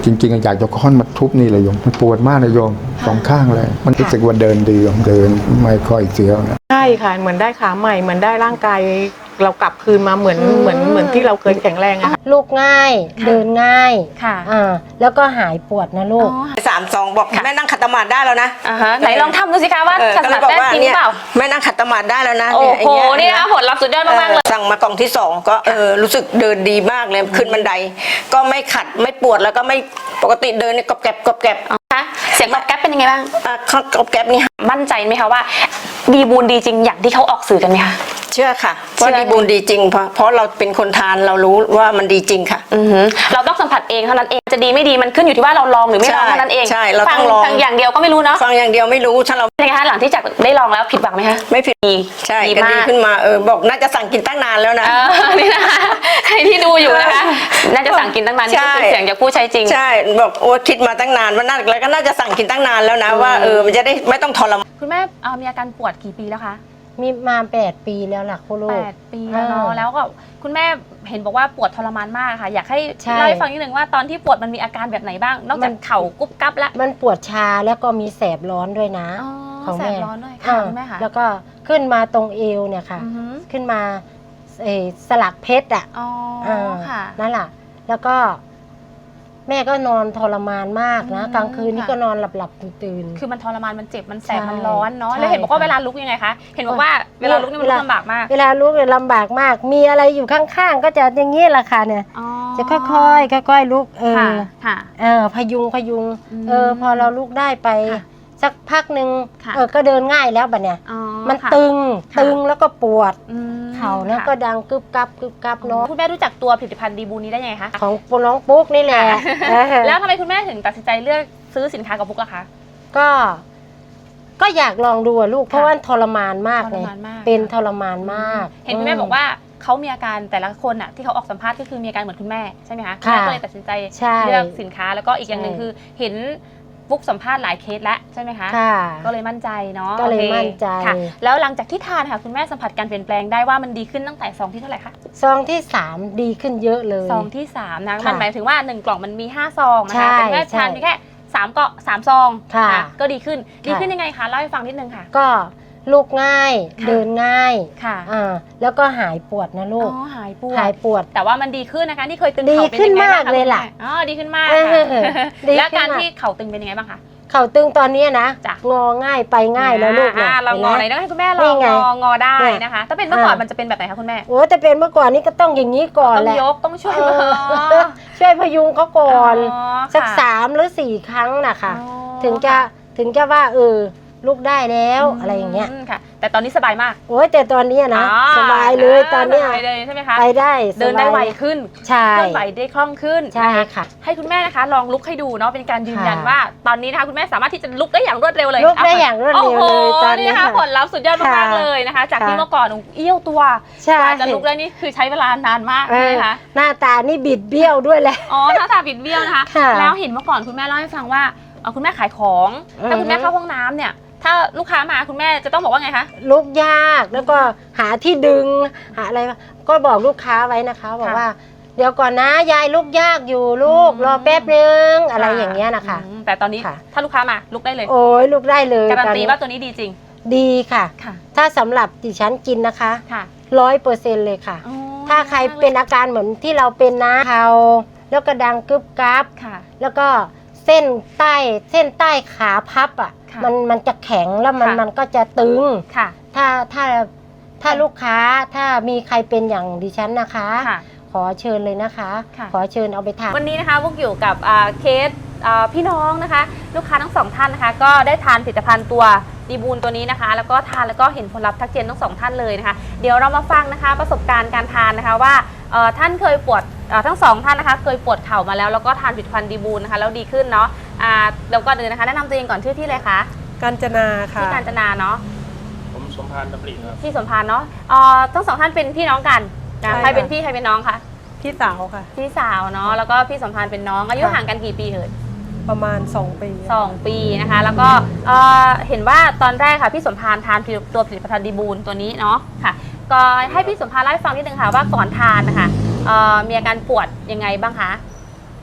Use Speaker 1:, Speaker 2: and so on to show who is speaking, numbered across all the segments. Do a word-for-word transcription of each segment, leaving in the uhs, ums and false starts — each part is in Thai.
Speaker 1: จริงๆอยากจะค้อนมาทุบนี่เลยโยมมันปวดมากนะโยมสองข้างเลยมันรู้สึกว่าเดินดีโยมเดินไม่ค่อยเสียวนะ
Speaker 2: ใช่ค่ะเหมือนได้ขาใหม่เหมือนได้ร่างกายเรากลับคืนมาเหมือนเหมือนเหมือนที่เราเคยแข็งแรงอะค่ะ
Speaker 3: ลูกง่ายเดินง่าย
Speaker 4: ค่ะ
Speaker 3: อ่าแล้วก็หายปวดนะลูก
Speaker 5: สามสองบอกแม่นั่งขัดสมาธิได้แล้วนะ
Speaker 4: อ่าฮะไหนลองทำดูสิคะว่า
Speaker 5: เออ
Speaker 4: ขัด
Speaker 5: ก็
Speaker 4: ส
Speaker 5: เล
Speaker 4: มาย ธิ
Speaker 5: บอก
Speaker 4: ได้
Speaker 5: ว่า
Speaker 4: จริงหรื
Speaker 5: เนี่
Speaker 4: อย เปล่า
Speaker 5: แม่นั่งขัดสมาธิได้แล้วนะ
Speaker 4: โอ้
Speaker 5: เนี่ย
Speaker 4: โห
Speaker 5: ไอ้เงี้ย
Speaker 4: นี่นะคะผลลัพธ์สุดยอดมากๆเลย
Speaker 5: สั่งมากล่องที่สองก็เออรู้สึกเดินดีมากเลยขึ้นบันได ก็ไม่ขัดไม่ปวดแล้วก็ไม่ปกติเดินเนี่ยกรอบแกรบกรอบแกรบ
Speaker 4: คะเสียงตอบแก๊ปเป็นยังไงบ้าง
Speaker 5: อ่ะกรอบแกรบนี่
Speaker 4: มั่นใจไหมคะว่าดีบูนดีจริงอย่างที่เขาออกสื่อกันไหมคะ
Speaker 5: เชื่อค่ะ
Speaker 4: เชื่
Speaker 5: ว่า
Speaker 4: อ
Speaker 5: ดีบูนดีจริงเพราะเพราะเราเป็นคนทานเรารู้ว่ามันดีจริงค่ะ
Speaker 4: อือหือเราต้องสัมผัสเองเท่านั้นเองจะดีไม่ดีมันขึ้นอยู่ที่ว่าเราลองหรือไม่ลอง
Speaker 5: ใช่
Speaker 4: เท่านั้นเอง
Speaker 5: ใช่เรา
Speaker 4: ฟั
Speaker 5: ต้องลอง
Speaker 4: ฟังอย่างเดียวก็ไม่รู้เนาะ
Speaker 5: ฟังอย่างเดียวไม่รู้ถ้าเรา
Speaker 4: เป็นไงคะหลังที่จากได้ลองแล้วผิดหวังไหมคะ
Speaker 5: ไม่ผิด
Speaker 4: ดี
Speaker 5: ใช่
Speaker 4: ดี
Speaker 5: ก็
Speaker 4: มา
Speaker 5: ดี
Speaker 4: ก
Speaker 5: ขึ้นมาเออบอกน่าจะสั่งกินตั้งนานแล้วนะ
Speaker 4: เออนี่นะคะใครที่ดูอยู่นะคะน่าจะสั่งกินตั้งนานนี่ก็เป็นเสียงจากผู้ใช้จริง
Speaker 5: ใช่บอกโอ้คิดมาตั้งนานว่าน่าแล้วก็น่าจะสั่งกินตั้งนานแล้วนะ
Speaker 4: อืม
Speaker 5: ว่าเออมันจะได้ไม่ต้องทรมาน
Speaker 4: คุณแม่เอ่อมีอาการปวดกี่ปีแล้วคะ
Speaker 3: มีมาแปดปีแล้วล่ะคุณลู
Speaker 4: แป
Speaker 3: ก
Speaker 4: ดปีแล้วเนาะ
Speaker 3: อ่า
Speaker 4: แล้วก็คุณแม่เห็นบอกว่าปวดทรมานมากค่ะ อยากให้
Speaker 3: ใช่
Speaker 4: เล่าให้ฟังนิดนึงว่าตอนที่ปวดมันมีอาการแบบไหนบ้าง นอกจากเข่ากุ๊บกั๊บละ
Speaker 3: มันปวดชาแล้วก็มีแสบร้อนด้วยนะ
Speaker 4: อ๋อ
Speaker 3: ของ
Speaker 4: แส
Speaker 3: แม่
Speaker 4: บร้อนด้วยค่ะ
Speaker 3: อ่า
Speaker 4: คุณแม่ค่ะ
Speaker 3: แล้วก็ขึ้นมาตรงเอวเนี่ยค่ะ
Speaker 4: อือหือ
Speaker 3: ขึ้นมาเอ่อสลักเพชรอ่ะ
Speaker 4: อ๋อ
Speaker 3: อ่า
Speaker 4: ค่ะ
Speaker 3: นั่นแหละแล้วก็แม่ก็นอนทรมานมากนะ
Speaker 4: อืม
Speaker 3: กลางคืนนี่
Speaker 4: ค่ะ
Speaker 3: ก็นอนหลับหลับตื่นตื่น
Speaker 4: คือมันทรมานมันเจ็บมันแสบ
Speaker 3: ใช่
Speaker 4: มันร้อนเนาะ
Speaker 3: ใช่
Speaker 4: แล้วเห็นบอกว่า
Speaker 3: ค่ะ
Speaker 4: เวลาลุกยังไงคะเห็นบอกว่าเวลาลุกนี่มัน
Speaker 3: เว
Speaker 4: ลุ
Speaker 3: ลา
Speaker 4: กลำบากมาก
Speaker 3: เวลาลุกเนี่ยลำบากมาก มีอะไรอยู่ข้างๆ ก็จะอย่างนี้แหละค่ะเนี่ย
Speaker 4: อ๋อ
Speaker 3: จะค่อยๆค่อยๆลุกเอ
Speaker 4: ค่ะ
Speaker 3: อ
Speaker 4: ค่ะ
Speaker 3: เออพยุงพยุง
Speaker 4: อืม
Speaker 3: เออพอเราลุกได้ไป
Speaker 4: ค่ะ
Speaker 3: สักพักหนึ่ง
Speaker 4: ค่ะ
Speaker 3: เออก็เดินง่ายแล้วบัดเนี่ย
Speaker 4: อ๋อ
Speaker 3: มัน
Speaker 4: ค่ะ
Speaker 3: ตึง
Speaker 4: ค่ะ
Speaker 3: ตึงแล้วก็ปวด
Speaker 4: อืม
Speaker 3: เข่าแล้ว
Speaker 4: ค่ะ
Speaker 3: ก็ดังกึบกับกึบกับเนาะ
Speaker 4: คุณแม่รู้จักตัวผลิตภัณฑ์ดีบูนี้ได้ยังไงคะ
Speaker 3: ของปน้องปุ๊กนี่แหละเออ
Speaker 4: แล้วทำไมคุณแม่ถึงตัดสินใจเลือกซื้อสินค้ากับบุ๊กอะคะ
Speaker 3: ก็ ก็อยากลองดูอะลูก เพราะว่าทรมานมาก
Speaker 4: ท
Speaker 3: เล
Speaker 4: ร
Speaker 3: ย
Speaker 4: มานมาก
Speaker 3: เป็นทรมานมาก
Speaker 4: เห็นคุณแม่บอกว่าเขามีอาการแต่ละคนอะที่เขาออกสัมภาษณ์ก็คือมีอาการเหมือนคุณแม่ใช่ไหมคะณ
Speaker 3: ค่ะ
Speaker 4: แม่ก็เลยตัดสินใจ
Speaker 3: ใช่
Speaker 4: เลือกสินค้าแล้วก็อีกอย่างหนึ่ง
Speaker 3: ใช่
Speaker 4: คือเห็นบุ๊กสัมภาษณ์หลายเคสแล้วใช่ไหมคะ
Speaker 3: ค่ะ
Speaker 4: ก็เลยมั่นใจเนาะ
Speaker 3: ก็เลย
Speaker 4: โอค
Speaker 3: มั่นใจ
Speaker 4: ค่ะ แล้วหลังจากที่ทานค่ะคุณแม่สัมผัสการเปลี่ยนแปลงได้ว่ามันดีขึ้นตั้งแต่ซองที่เท่าไหร่คะ
Speaker 3: ซองที่สามดีขึ้นเยอะเลย
Speaker 4: ซองที่สามนะ
Speaker 3: ค่ะ
Speaker 4: มันหมายถึงว่าหนึ่งกล่องมันมีห้าซองนะ
Speaker 3: ใช่
Speaker 4: คะแต่คุณแม่
Speaker 3: ใช่
Speaker 4: ทานเพียงแค่สามเกาะสามซอง
Speaker 3: ค่ะ
Speaker 4: นก็ดีขึ้นดี
Speaker 3: ค่ะ
Speaker 4: ขึ้นยังไงคะเล่าให้ฟังนิดนึงค่ะ
Speaker 3: ก็ลุกง่าย
Speaker 4: ค่ะ
Speaker 3: เดินง่าย
Speaker 4: ค่ะ
Speaker 3: อ่าแล้วก็หายปวดนะลู
Speaker 4: อ๋
Speaker 3: ก
Speaker 4: อหายปวด
Speaker 3: หายปวด
Speaker 4: แต่ว่ามันดีขึ้นนะคะที่เคยตึง
Speaker 3: ดี
Speaker 4: เข่าเป็น
Speaker 3: ขึ้น
Speaker 4: ยังไงบ้าง
Speaker 3: มาก
Speaker 4: คะ
Speaker 3: เลยล่ะ
Speaker 4: คุณแม่อ๋อดีขึ้นมาก
Speaker 3: เออ
Speaker 4: ค่ะ
Speaker 3: ดีขึ้นมาก
Speaker 4: แล้วการที่เข่าตึงเป็นยังไงบ้างคะ
Speaker 3: เข่าตึงตอนนี้นะ
Speaker 4: จ้ะ
Speaker 3: งอง่ายไปง่ายแล้วลูก
Speaker 4: อ่า
Speaker 3: นะ
Speaker 4: เรางอไหน
Speaker 3: ห็นไหม
Speaker 4: ต้องให้คุณแม่ล
Speaker 3: นี่
Speaker 4: อง
Speaker 3: ไง
Speaker 4: งองอได้
Speaker 3: เนี่ย
Speaker 4: นะคะ ถ้าเป็นเมื่อก่อน
Speaker 3: อ่ามั
Speaker 4: มันจะเป็นแบบไหนคะคุณแม่
Speaker 3: โอ้แต่เป็นเมื่อก่อนนี้ก็ต้องอย่างนี้ก่อน
Speaker 4: ต้อง
Speaker 3: แหละ
Speaker 4: ยกต้องช่วย
Speaker 3: เอ
Speaker 4: มือ
Speaker 3: อช่วยพยุงเขาก่อน
Speaker 4: อ๋อ
Speaker 3: สัก
Speaker 4: ค่ะ
Speaker 3: สามหรือสี่ครั้งนะคะ
Speaker 4: อ๋อ
Speaker 3: ถึงจะถึงจะว่าเออลุกได้แล้วอะไรอย่างเงี้ย
Speaker 4: มค่ะ แต่ตอนนี้สบายมาก
Speaker 3: โอ้ยแต่ตอนเนี้ยนะ
Speaker 4: อ๋อ
Speaker 3: สบายเลยตอนเนี้ย
Speaker 4: สบายเลยใช่ไหมคะ
Speaker 3: ไปได้
Speaker 4: เดินได้
Speaker 3: สบาย
Speaker 4: ไวขึ้น
Speaker 3: ใช่
Speaker 4: เคลื่อนไหวได้คล่องขึ้น
Speaker 3: ใช่
Speaker 4: นะคะ
Speaker 3: ค่ะ
Speaker 4: ให้คุณแม่นะคะลองลุกให้ดูเนาะเป็นการยืนยัน
Speaker 3: ค่ะ
Speaker 4: ว่า ตอนนี้นะคะคุณแม่สามารถที่จะลุกได้อย่างรวดเร็วเลย
Speaker 3: ลุกได้อย่างรวดเร็วเลย
Speaker 4: โอ้โห
Speaker 3: ตอนนี้
Speaker 4: นี่นะคะ
Speaker 3: ค่ะ
Speaker 4: ผลลัพธ์สุดยอดมาก
Speaker 3: ค่ะ
Speaker 4: ๆเลยนะคะ จากที่
Speaker 3: ค่ะ
Speaker 4: เมื่อก่อนหนูเอี้ยวตัว
Speaker 3: ใช่
Speaker 4: กว่าจะลุกได้นี่คือใช้เวลานานมาก
Speaker 3: เอ
Speaker 4: ใช่
Speaker 3: อ
Speaker 4: ไหมคะ
Speaker 3: หน้าตานี่บิดเบี้ยวด้วยแหละ
Speaker 4: อ๋อหน้าตาบิดเบี้ยวนะคะ
Speaker 3: ค่ะ
Speaker 4: แล้วเห็นเมื่อก่อนคุณแม่เล่าให้ฟังว่าเอ่อคุณแม่ขายของ
Speaker 3: อือฮึ
Speaker 4: ถ้าคุณแม่เข้าห้องน้ำเนี่ยถ้าลูกค้ามาคุณแม่จะต้องบอกว่าไงคะ
Speaker 3: ลุกยากแล้วก็หาที่ดึงหาอะไรก็บอกลูกค้าไว้นะคะ บอก
Speaker 4: ค่ะ
Speaker 3: ว่า เดี๋ยวก่อนนะยายลุกยากอยู่ลูก
Speaker 4: อืม
Speaker 3: รอแป๊บนึงอะไรอย่างเงี้ยนะคะ
Speaker 4: อืมแต่ตอนนี้
Speaker 3: ค่ะ
Speaker 4: ถ้าลูกค้ามาลุกได้เลย
Speaker 3: โอ้ยลุกได้เลย
Speaker 4: การัน
Speaker 3: ตอน
Speaker 4: ตี
Speaker 3: นี้
Speaker 4: ว่าตัวนี้ดีจริง
Speaker 3: ดีค่ะ
Speaker 4: ค่ะ
Speaker 3: ถ้าสำหรับดิฉันกินนะคะ
Speaker 4: ค่ะ
Speaker 3: ร้อยเปอร์เซ็นต์เลยค่ะ
Speaker 4: อ๋อ
Speaker 3: ถ้าใครเป็นอาการเหมือนที่เราเป็นนะเข่าแล้วก็ดังกึบกับ
Speaker 4: ค่ะ
Speaker 3: แล้วก็เส้นใต้เส้นใต้ขาพับอ่ะ
Speaker 4: ค่ะ
Speaker 3: มันมันจะแข็งแล้วมัน
Speaker 4: ค่ะ
Speaker 3: มันก็จะตึง
Speaker 4: ค่ะ
Speaker 3: ถ้าถ้าถ้าลูกค้าถ้ามีใครเป็นอย่างดิฉันนะคะ
Speaker 4: ค่ะ
Speaker 3: ขอเชิญเลยนะคะ
Speaker 4: ค่ะ
Speaker 3: ขอเชิญเอาไปทาน
Speaker 4: วันนี้นะคะพวกอยู่กับอ่าเคสอ่าพี่น้องนะคะ ลูกค้าทั้งสองท่านนะคะ ก็ได้ทานผลิตภัณฑ์ตัวดีบูนตัวนี้นะคะ แล้วก็ทานแล้วก็เห็นผลลัพธ์ทักเจนทั้งสองท่านเลยนะคะ เดี๋ยวเรามาฟังนะคะประสบการณ์การทานนะคะว่าเอ่อท่านเคยปวดเอ่อทั้งสองท่านนะคะ เคยปวดเข่ามาแล้วแล้วก็ทานผลิตภัณฑ์ดีบูนนะคะแล้วดีขึ้นเนาะอ่าแล้วก็เดินนะคะแนะนำตัวเองก่อนชื่อที่เลยคะ
Speaker 2: กาญจนาค่ะ
Speaker 4: ที่กาญจนาเนาะ
Speaker 6: ผมสมพานดำริครับ
Speaker 4: พี่สมพานเนาะเอ่อทั้งสองท่านเป็นพี่น้องกันนะ
Speaker 2: ใช่
Speaker 4: ใครเป็น
Speaker 2: ค่ะ
Speaker 4: พี่ใครเป็นน้องคะ
Speaker 2: พี่สาวค่ะ
Speaker 4: พี่สาวเนาะแล้วก็พี่สมพานเป็นน้องอายุ
Speaker 2: ค่ะ
Speaker 4: ห่างกันกี่ปีเอ่ย
Speaker 2: ประมาณสองปี
Speaker 4: สองปีนะคะแล้วก็เอ่อเห็นว่าตอนแรกค่ะพี่สมพานทานตัวผลิตภัณฑ์ดีบูนตัวนี้เนาะค่ะก็ให้พี่สมพานเล่าให้ฟังนิดนึงค่ะว่าก่อนทานนะคะเอ่อมีอาการปวดยังไงบ้างคะ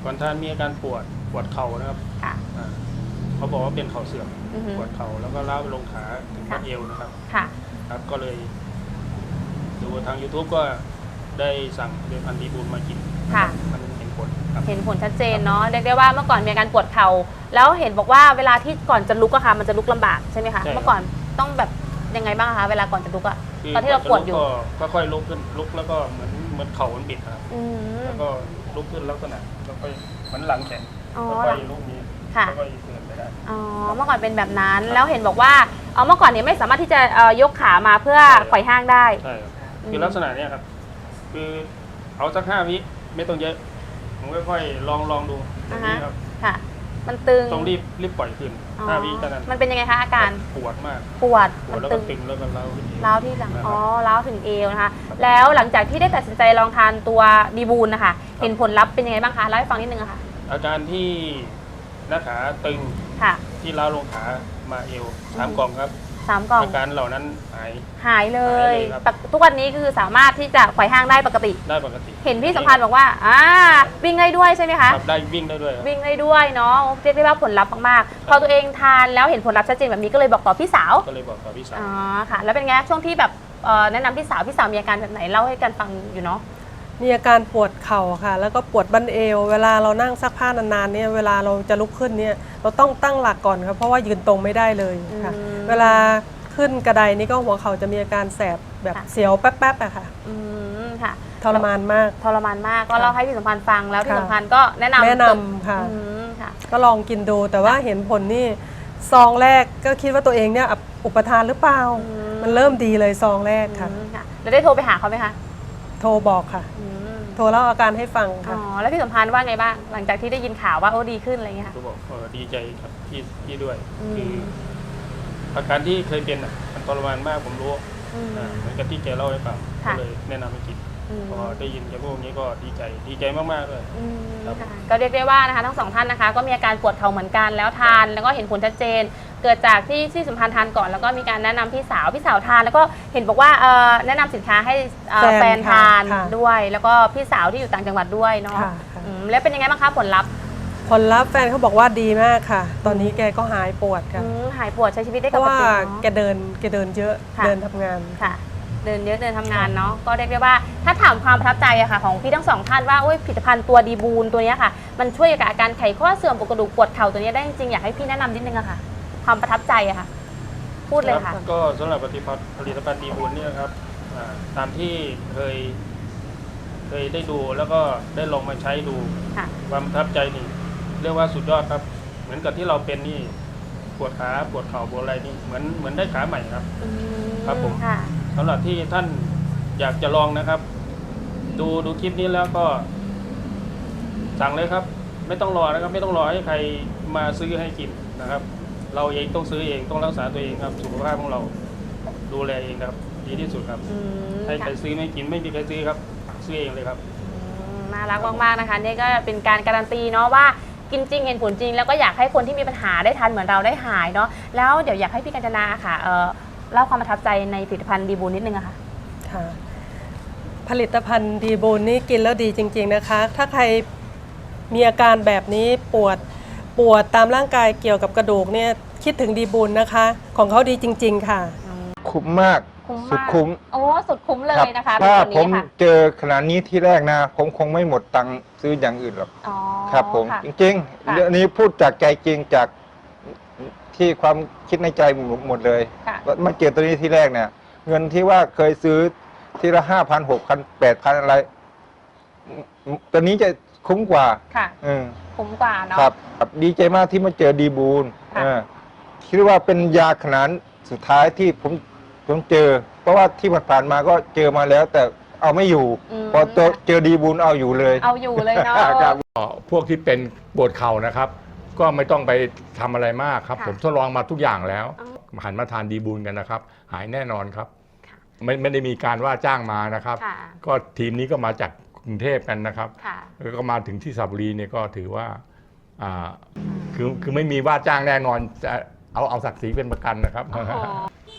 Speaker 6: ก่อนทานมีอาการปวดปวดเข่านะครับ
Speaker 4: ค่ะ
Speaker 6: อ่าเขาบอกว่าเป็นเข่าเสื่อม
Speaker 4: อือฮึ
Speaker 6: ปวดเข่าแล้วก็ล้าวไปลงขาถึง
Speaker 4: ค่ะ
Speaker 6: บัดเอวนะครับ
Speaker 4: ค่ะ
Speaker 6: ครับก็เลยดูทาง YouTube ก็ได้สั่งเดือนพันธีบูลมากิน
Speaker 4: ค่ะ
Speaker 6: มันเห็นผลครับ
Speaker 4: เห็นผลชัดเจนเนาะเรียกได้ว่าเมื่อก่อนมีอาการปวดเข่าแล้วเห็นบอกว่าเวลาที่ก่อนจะลุกอะค่ะมันจะลุกลำบากใช่ไหมคะ
Speaker 6: ใช่ครับ
Speaker 4: เมื่อก่อนต้องแบบยังไงบ้างคะเวลาก่อนจะลุกอะตอนที่เราปวดอยู่
Speaker 6: ก็ค่อยๆลุกขึ้นลุกแล้วก็เหมือนเหมือนเข่ามันบิดนะครับ
Speaker 4: อืม
Speaker 6: แล้วก็ลุกขึ้นลักษณะแล้วก็เหมือนหลังแข็ง
Speaker 4: อ๋อ
Speaker 6: แล้วก็ลุกนี้
Speaker 4: ค่ะ
Speaker 6: แล้วก็เดินไปได้
Speaker 4: อ๋อเมื่อก่อนเป็นแบบนั้นแล้วเห็นบอกว่าเอ่อเมื่อก่อนเนี่ยไม่สามารถที่จะเอ่อยกขามาเพื่อ
Speaker 6: ใช่ครับ
Speaker 4: ไขว่ห้างได้
Speaker 6: ใช่ครับ
Speaker 4: อืม
Speaker 6: คือลักษณะเนี้ยครับ คือเอาสักห้าวิไม่ต้องเยอะผมค่อยๆลองลองดูตรงนี้ครับ
Speaker 4: ค่ะ มันตึง
Speaker 6: ต้องรีบรีบปล่อยขึ้น
Speaker 4: อ๋อ
Speaker 6: ห้าวิเท่านั้น
Speaker 4: มันเป็นยังไงคะอาการ
Speaker 6: ปวดมาก
Speaker 4: ปวด
Speaker 6: ปว
Speaker 4: มั
Speaker 6: ด
Speaker 4: น
Speaker 6: แล้ว
Speaker 4: ตึ
Speaker 6: ก็
Speaker 4: ง
Speaker 6: ตึงแล้วก็เล้าขึ้นเอว
Speaker 4: ร้าวที่หลัง
Speaker 6: นะครับ
Speaker 4: อ๋อร้าวถึงเอวนะคะแล้วหลังจากที่ได้ตัดสินใจลองทานตัวดีบูลนะคะเห็นผลลัพธ์เป็นยังไงบ้างคะเล่าให้ฟังนิดนึงอะค่ะ
Speaker 6: อาการที่หน้าขาตึง
Speaker 4: ค่ะ
Speaker 6: ที่เล้าวลงขามาเอวสามกล่องครับ
Speaker 4: สามกล่อง
Speaker 6: อาการเหล่านั้นหาย
Speaker 4: หายเล
Speaker 6: หาย ยเลยครับ
Speaker 4: ปกทุกวันนี้คือสามารถที่จะไขว่ห้างได้ปกติ
Speaker 6: ได้ปกติ
Speaker 4: เห็นพี่สัมพันธ์บอกว่าอ่าวิ่งได้ด้วยใช่ไหมคะ
Speaker 6: ครับได้วิ่งได้ด้วยครับ
Speaker 4: วิ่งได้ด้วยเนาะเรียกได้ว่าผลลัพธ์มากๆ พอตัวเองทานแล้วเห็นผลลัพธ์ชัดเจนแบบนี้ก็เลยบอกต่อพี่สาว
Speaker 6: ก็เลยบอกกับพี่สาว
Speaker 4: อ๋อค่ะ แล้วเป็นไงช่วงที่แบบเอ่อแนะนำพี่สาวพี่สาวมีอาการแบบไหนเล่าให้กันฟังอยู่เนาะ
Speaker 7: มีอาการปวดเข่าค่ะ แล้วก็ปวดบั้นเอว เวลาเรานั่งซักผ้านานๆเนี่ยเวลาเราจะลุกขึ้นเนี่ยเราต้องตั้งหลักก่อนครับเพราะว่ายืนตรงไม่ได้เลยค่ะ
Speaker 4: อืม
Speaker 7: เวลาขึ้นกระไดนี่ก็หัวเข่าจะมีอาการแสบแบบ
Speaker 4: ค่ะ
Speaker 7: เสียวแป๊บๆอะค่ะ
Speaker 4: อืมค่ะ
Speaker 7: ทรมานมาก
Speaker 4: ทรมานมากก็เล่าให้พี่สัมพันธ์ฟังแล้วพี่
Speaker 7: ค่ะ
Speaker 4: สัมพันธ์ก็แนะนำ
Speaker 7: แนะนำค่ะ
Speaker 4: อืมค่ะ
Speaker 7: ก็ลองกินดูแต่ว่าเห็นผลนี่ซองแรกก็คิดว่าตัวเองเนี่ยอุปทานหรือเปล่า
Speaker 4: อืม
Speaker 7: มันเริ่มดีเลยซองแรกค่ะ
Speaker 4: อืมค่ะแล้วได้โทรไปหาเขาไหมคะ
Speaker 7: โทรบอกค่ะ
Speaker 4: อืม
Speaker 7: โทรเล่าอาการให้ฟัง
Speaker 4: อ๋
Speaker 7: ค่ะ
Speaker 4: อแล้วพี่สัมพันธ์ว่าไงบ้างหลังจากที่ได้ยินข่าวว่าโอ้ดีขึ้นอะไรเงี้ยค่ะ
Speaker 6: ก็บอกเออดีใจครับพี่พี่ด้วย
Speaker 4: อืม
Speaker 6: คืออาการที่เคยเป็นอ่ะมันทรมานมากผมรู้
Speaker 4: อืม
Speaker 6: อ่าเหมือนกับที่แกเล่าให้ฟัง
Speaker 4: ค่ะ
Speaker 6: ก็เลยแนะนำให้กิน
Speaker 4: อืม
Speaker 6: พอได้ยินแกพูดอย่างนี้ก็ดีใจดีใจมากๆเลย
Speaker 4: อืม
Speaker 6: ครับ
Speaker 4: ค่ะก็เรียกได้ว่านะคะทั้งสองท่านนะคะ ก็มีอาการปวดเข่าเหมือนกันแล้วทาน แล้วก็เห็นผลชัดเจน เกิดจากที่ที่สัมพันธ์ทานก่อนแล้วก็มีการแนะนำพี่สาวพี่สาวทาน แล้วก็เห็นบอกว่าเอ่อแนะนำสินค้าให้เอ่อ
Speaker 7: แฟน
Speaker 4: แฟนทาน
Speaker 7: ค่ะ
Speaker 4: ด้วย แล้วก็พี่สาวที่อยู่ต่างจังหวัดด้วยเนาะ
Speaker 7: ค่ะค่ะ
Speaker 4: อืมแล้วเป็นยังไงบ้างคะผลลัพธ์
Speaker 7: ผลลัพธ์แฟนเขาบอกว่าดีมากค่ะ ตอนนี้แกก็หายปวดค่ะ
Speaker 4: อืมหายปวดใช้ชีวิตได้
Speaker 7: เพ
Speaker 4: ป
Speaker 7: ราะ
Speaker 4: ก
Speaker 7: ว่า
Speaker 4: ติ
Speaker 7: แก
Speaker 4: เนาะ
Speaker 7: เดินแกเดินเยอะ
Speaker 4: ค่ะ
Speaker 7: เดินทำงาน
Speaker 4: ค่ะ เดินเยอะเดินทำงานเนาะก็เรียกได้ว่าถ้าถามความประทับใจอะค่ะของพี่ทั้งสองท่านว่าโอ้ยผลิตภัณฑ์ตัวดีบูลตัวเนี้ยค่ะ มันช่วยกับอาการไขข้อเสื่อมปวดกระดูกปวดเข่าตัวเนี้ยได้จริงๆอยากให้พี่แนะนำนิดนึงอะค่ะ ความประทับใจอะค่ะ พูดเลยค่ะ
Speaker 6: รับก็สำหรับผลิตภัณฑ์ผลิตภัณฑ์ดีบุญเนี่ยนะครับอ่าตามที่เคย เคยได้ดูแล้วก็ได้ลองมาใช้ดู
Speaker 4: ค่ะ
Speaker 6: ความประทับใจนี่เรียกว่าสุดยอดครับ เหมือนกับที่เราเป็นนี่ปวดขาปวดเข่าปวดอะไรนี่เหมือนเหมือนได้ขาใหม่ครับ
Speaker 4: อืม
Speaker 6: ครับผม
Speaker 4: ค่ะ
Speaker 6: สำหรับที่ท่านอยากจะลองนะครับ ดูดูคลิปนี้แล้วก็สั่งเลยครับ ไม่ต้องรอนะครับ ไม่ต้องรอให้ใครมาซื้อให้กินนะครับ เราเองต้องซื้อเองต้องรักษาตัวเองครับสุขภาพของเราดูแลเองครับ ดีที่สุดครับ
Speaker 4: อืม
Speaker 6: ให้ใคร
Speaker 4: ค่ะ
Speaker 6: ซื้อไม่กินไม่มีใครซื้อครับ ซื้อเองเลยครับ
Speaker 4: อืมน่ารักมากๆนะคะนี่ก็เป็นการการันตีเนาะว่ากินจริงเห็นผลจริง แล้วก็อยากให้คนที่มีปัญหาได้ทานเหมือนเราได้หายเนาะแล้วเดี๋ยวอยากให้พี่กัญจนาค่ะเอ่อเล่าความประทับใจในผลิตภัณฑ์ดีบูลนิดนึงอะค่ะ
Speaker 7: ค่ะผลิตภัณฑ์ดีบูลนี่กินแล้วดีจริง ๆนะคะ ถ้าใครมีอาการแบบนี้ปวดปวดตามร่างกายเกี่ยวกับกระดูกเนี่ยคิดถึงดีบูลนะคะ ของเขาดีจริง ๆ ค่ะ
Speaker 1: คุ้มมาก
Speaker 4: คุ้ม
Speaker 1: สุด
Speaker 4: มาก
Speaker 1: คุ้ม
Speaker 4: โอ้สุดคุ้มเลย
Speaker 1: รับ
Speaker 4: นะคะ
Speaker 1: ถ้า
Speaker 4: เป็น
Speaker 1: ผ
Speaker 4: ตัว
Speaker 1: ม
Speaker 4: นี้ค่ะ
Speaker 1: เจอขนาดนี้ที่แรกนะ ผมคงไม่หมดตังค์ซื้ออย่างอื่นหรอก
Speaker 4: อ๋อ
Speaker 1: ครับผม
Speaker 4: ค่ะ
Speaker 1: จริง
Speaker 4: ค่ะ
Speaker 1: ๆเรื่องนี้พูดจากใจจริงจากที่ความคิดในใจหมดเลย
Speaker 4: ค่ะ
Speaker 1: มาเจอตัวนี้ที่แรกเนี่ย เงินที่ว่าเคยซื้อทีละห้าพันหกพันแปดพันอะไรตัวนี้จะคุ้มกว่า
Speaker 4: ค่ะ
Speaker 1: เออ
Speaker 4: คุ้มกว่าเนาะ
Speaker 1: ครับครับดีใจมากที่มาเจอดีบูล
Speaker 4: ค่ะ
Speaker 1: เออคิดว่าเป็นยาขนาดสุดท้ายที่ผมผมเจอ เพราะว่าที่ผ่านๆมาก็เจอมาแล้ว แต่เอาไม่อยู่
Speaker 4: ม
Speaker 1: พอเจอเจอดีบูลเอาอยู่เลย
Speaker 4: เอาอยู่เลยเนาะ
Speaker 1: ครับ
Speaker 8: พวกที่เป็นปวดเข่านะครับ ก็ไม่ต้องไปทำอะไรมากครับ
Speaker 4: ค่ะ
Speaker 8: ผมทดลองมาทุกอย่างแล้ว
Speaker 4: อ๋
Speaker 8: หันมาทานดีบูลกันนะครับ หายแน่นอนครับ ไม่ไม่ได้มีการว่าจ้างมานะครับ
Speaker 4: ค่ะ
Speaker 8: ก็ทีมนี้ก็มาจากกรุงเทพกันนะครับ
Speaker 4: ค่ะ
Speaker 8: แล้วก็มาถึงที่สระบุรีเนี่ยก็ถือว่าอ่าคือคือไม่มีว่าจ้างแน่นอนจะเอาเอาศักดิ์ศรีเป็นประกันนะครับ
Speaker 4: อ๋อ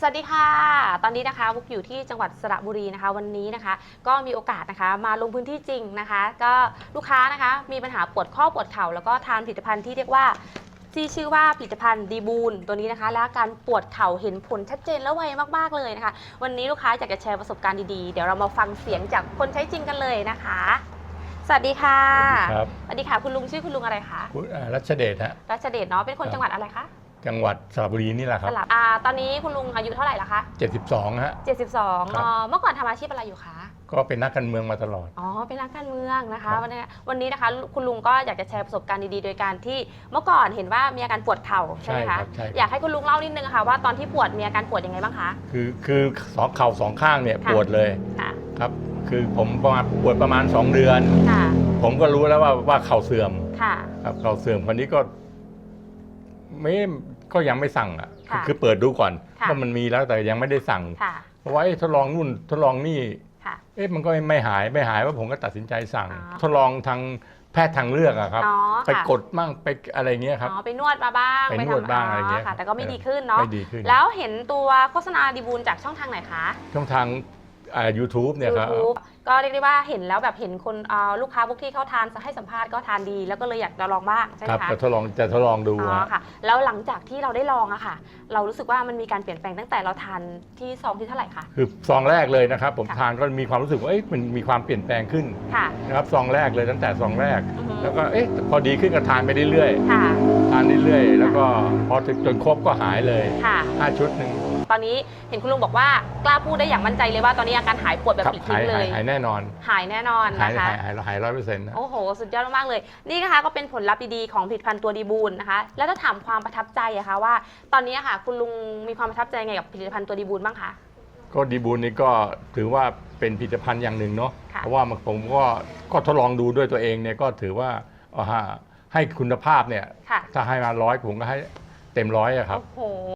Speaker 4: สวัสดีค่ะ ตอนนี้นะคะบุ๊กอยู่ที่จังหวัดสระบุรีนะคะ วันนี้นะคะก็มีโอกาสนะคะมาลงพื้นที่จริงนะคะ ก็ลูกค้านะคะมีปัญหาปวดข้อปวดเข่าแล้วก็ทานผลิตภัณฑ์ที่เรียกว่าที่ชื่อว่าผลิตภัณฑ์ดีบูนตัวนี้นะคะ และการปวดเข่าเห็นผลชัดเจนและไวมากๆเลยนะคะ วันนี้ลูกค้าอยากจะแชร์ประสบการณ์ดีๆเดี๋ยวเรามาฟังเสียงจากคนใช้จริงกันเลยนะคะ สวัสดีค่ะ
Speaker 8: ครับ
Speaker 4: สวัสดีค่ะคุณลุงชื่อคุณลุงอะไรคะ
Speaker 8: คุณอ่ารัชเดชฮะ
Speaker 4: รัชเดชเนาะเป็นคนจังหวัดอะไรคะ
Speaker 8: จังหวัดสระบุรีนี่แหละค
Speaker 4: ส
Speaker 8: รับ
Speaker 4: ลับอ่าตอนนี้คุณลุงอายุเท่าไหร่ละคะ
Speaker 8: เจ็ดสิบสองฮะ
Speaker 4: เจ็ดสิบสอง
Speaker 8: ครับ
Speaker 4: เนาะเมื่อก่อนทำอาชีพอะไรอยู่คะ
Speaker 8: ก็เป็นนักการเมืองมาตลอด
Speaker 4: อ๋อ เป็นนักการเมืองนะคะ
Speaker 8: ครับ
Speaker 4: วันนี้วันนี้นะคะคุณลุงก็อยากจะแชร์ประสบการณ์ดีๆ โดยการที่เมื่อก่อนเห็นว่ามีอาการปวดเข่าใช่ไหมคะ
Speaker 8: ใช่ครับใช่ครับ
Speaker 4: อยากให้คุณลุงเล่านิดนึงค่ะว่าตอนที่ปวดมีอาการปวดยังไงบ้างคะ
Speaker 8: คือคือสองเข่าสองข้างเนี่ย
Speaker 4: ค่ะ
Speaker 8: ปวดเลย
Speaker 4: ค่ะ
Speaker 8: ครับ คือผมประมาณปวดประมาณสองเดือน
Speaker 4: ค่ะ
Speaker 8: ผมก็รู้แล้วว่าว่าเข่าเสื่อม
Speaker 4: ค่ะ
Speaker 8: ครับเข่าเสื่อมคนนี้ก็ไม่ก็ยังไม่สั่งอ่ะคือ
Speaker 4: ค่ะ
Speaker 8: คือเปิดดูก่อน
Speaker 4: ค่ะ
Speaker 8: ว่ามันมีแล้วแต่ยังไม่ได้สั่ง
Speaker 4: ค่ะ
Speaker 8: เพราะว่าเอ๊ะทดลองนู่นทดลองนี่
Speaker 4: ค่ะ
Speaker 8: เอ๊ะมันก็ไม่หายไม่หายว่าผมก็ตัดสินใจสั่ง
Speaker 4: อ๋อ
Speaker 8: ทดลองทางแพทย์ทางเลือกอะครับ
Speaker 4: อ๋อ
Speaker 8: ไป
Speaker 4: ค่ะ
Speaker 8: กดมั่งไปอะไรเงี้ยครับ
Speaker 4: อ๋อ ไปนวดมาบ้าง
Speaker 8: ไปนวด
Speaker 4: ทำ
Speaker 8: บ้างอะไรเงี้ย
Speaker 4: ค่ะ แต่ก็ไม่
Speaker 8: เออ
Speaker 4: ดีขึ้นเนาะ
Speaker 8: ไม่ดีขึ้น
Speaker 4: แล้วเห็นตัวโฆษณาดีบูลจากช่องทางไหนคะ
Speaker 8: ช่องทางอ่า ยูทูบเนี่ยครับ
Speaker 4: YouTube ก็เรียกได้ว่าเห็นแล้วแบบเห็นคนอ่าลูกค้าพวกที่เขาทานให้สัมภาษณ์ก็ทานดี แล้วก็เลยอยากจะลองบ้างใช่ไห
Speaker 8: ค
Speaker 4: ม
Speaker 8: รับ
Speaker 4: คะ
Speaker 8: จะทดลองจะทดลองดู
Speaker 4: อ๋อ
Speaker 8: ฮะ
Speaker 4: ค่ะ แล้วหลังจากที่เราได้ลองอะค่ะ เรารู้สึกว่ามันมีการเปลี่ยนแปลงตั้งแต่เราทานที่ซองที่เท่าไหร่คะ
Speaker 8: คือซองแรกเลยนะครับ ผม
Speaker 4: ค่ะ
Speaker 8: ทานก็มีความรู้สึกว่าเอ๊ะมันมีความเปลี่ยนแปลงขึ้น
Speaker 4: ค่ะ
Speaker 8: นะครับซองแรกเลยตั้งแต่ซองแรก
Speaker 4: อือฮึ
Speaker 8: แล้วก็เอ๊ะพอดีขึ้นก็ทานไปเรื่อย
Speaker 4: ค่ะ
Speaker 8: ๆทานเรื่อยๆแล้วก็พอถึงจนครบก็หายเลย
Speaker 4: ค่ะ
Speaker 8: ห้าชุดหนึ่ง
Speaker 4: ตอนนี้เห็นคุณลุงบอกว่ากล้าพูดได้อย่างมั่นใจเลยว่าตอนนี้อาการหายปวดแบบ
Speaker 8: ครับ
Speaker 4: ปลิด
Speaker 8: หา
Speaker 4: ทิ้
Speaker 8: ย
Speaker 4: งเล
Speaker 8: หาย
Speaker 4: ย
Speaker 8: หายแน่นอน
Speaker 4: หายแน่นอน
Speaker 8: หาย
Speaker 4: นะคะ
Speaker 8: หายหายหายร้อยเปอร์เซ็นต์นะ
Speaker 4: โอ้โห สุดยอดมากๆเลย นี่นะคะก็เป็นผลลัพธ์ดีๆของผลิตภัณฑ์ตัวดีบูลนะคะ แล้วถ้าถามความประทับใจอะคะว่า ตอนนี้อะค่ะ คุณลุงมีความประทับใจไงกับผลิตภัณฑ์ตัวดีบูลบ้างคะ
Speaker 8: ก็ดีบูลนี่ก็ถือว่าเป็นผลิตภัณฑ์อย่างหนึ่งเนาะ
Speaker 4: ค่ะ
Speaker 8: เพราะว่ามันผมก็ก็ทดลองดูด้วยตัวเองเนี่ยก็ถือว่าเอาฮะให้คุณภาพเนี่ย
Speaker 4: ค่ะ
Speaker 8: ถ้าให้มาร้อยผมก็ให้เต็มร้อยอะครับ
Speaker 4: โอ้โห